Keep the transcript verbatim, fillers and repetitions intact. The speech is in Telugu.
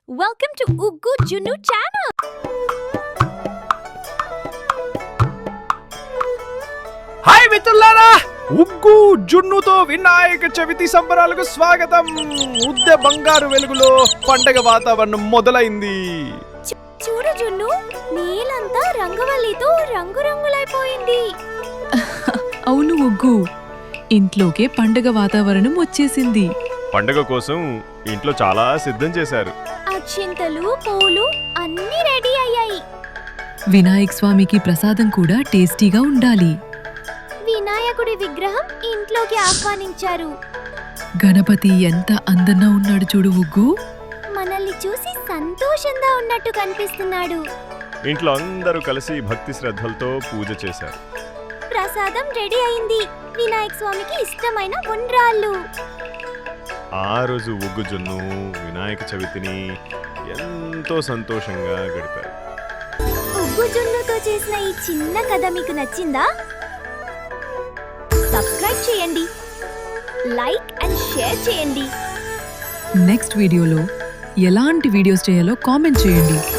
Welcome to Uggu Junnu channel. Hi మిత్రులారా, ఉగ్గు జున్నుతో వినాయక చవితి సంబరాలకు స్వాగతం. ఉద్దె బంగారు వెలుగులో పండగ వాతావరణం మొదలైంది. చూడు జున్ను, నీలంతా రంగవల్లితో రంగురంగులైపోయింది. అవును ఉగ్గు, ఇంట్లోకే పండగ వాతావరణం వచ్చేసింది. పండగ కోసం ఇంట్లో చాలా సిద్ధం చేశారు. అక్షింతలు, పూలు అన్నీ రెడీ అయ్యాయి. వినాయక స్వామికి ప్రసాదం కూడా టేస్టీగా ఉండాలి. వినాయకుడి విగ్రహం ఇంట్లోకి ఆహ్వానించారు. గణపతి ఎంత అందంగా ఉన్నాడు చూడు ఉగ్గు. మనల్ని చూసి సంతోషంగా ఉన్నట్టు కనిపిస్తున్నాడు. ఇంట్లో అందరూ కలిసి భక్తి శ్రద్ధలతో పూజ చేశారు. ప్రసాదం రెడీ అయింది. వినాయక స్వామికి ఇష్టమైన ఉండ్రాళ్ళు. ఆ రోజు ఉగ్గు జున్ను వినాయక చవితిని ఎంతో సంతోషంగా గడిపారు. ఉగ్గు జున్నుతో చేసిన ఈ చిన్న కథ మీకు నచ్చిందా? సబ్స్క్రైబ్ చేయండి, లైక్ అండ్ షేర్ చేయండి. నెక్స్ట్ వీడియోలో ఎలాంటి వీడియోస్ చేయాలో కామెంట్ చేయండి.